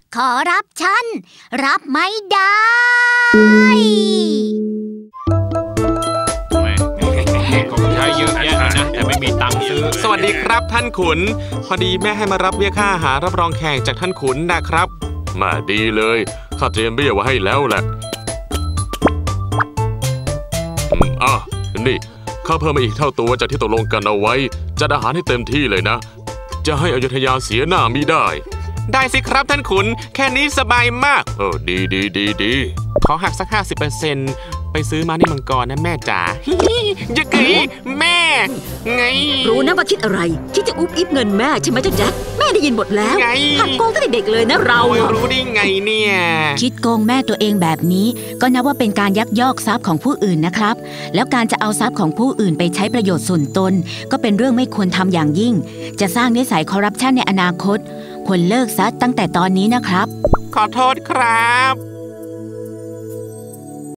ขอรับฉันรับไม่ได้ของใช้เยอะแยะนะแต่ไม่มีตังค์ซื้อสวัสดีครับท่านขุนพอดีแม่ให้มารับเบี้ยค่าอาหารรับรองแขกจากท่านขุนนะครับมาดีเลยข้าเตรียมเบี้ยไว้ให้แล้วแหละนี่ข้าเพิ่มมาอีกเท่าตัวจากที่ตกลงกันเอาไว้จัดอาหารให้เต็มที่เลยนะจะให้อยุธยาเสียหน้ามิได้ได้สิครับท่านขุนแค่นี้สบายมากดีขอหักสัก 50% ไปซื้อมานี่มังกรนะแม่จ๋าจะกึ๋ยแม่ไงรู้นะว่าคิดอะไรคิดจะอุ๊บอิ๊บเงินแม่ใช่ไหมเจ้าแจ็คแม่ได้ยินหมดแล้วหัดโกงตั้งแต่เด็กเลยนะเรารู้ได้ไงเนี่ยคิดโกงแม่ตัวเองแบบนี้ก็นับว่าเป็นการยักยอกทรัพย์ของผู้อื่นนะครับแล้วการจะเอาทรัพย์ของผู้อื่นไปใช้ประโยชน์ส่วนตนก็เป็นเรื่องไม่ควรทำอย่างยิ่งจะสร้างนิสัยคอร์รัปชันในอนาคตควรเลิกซะตั้งแต่ตอนนี้นะครับขอโทษครับ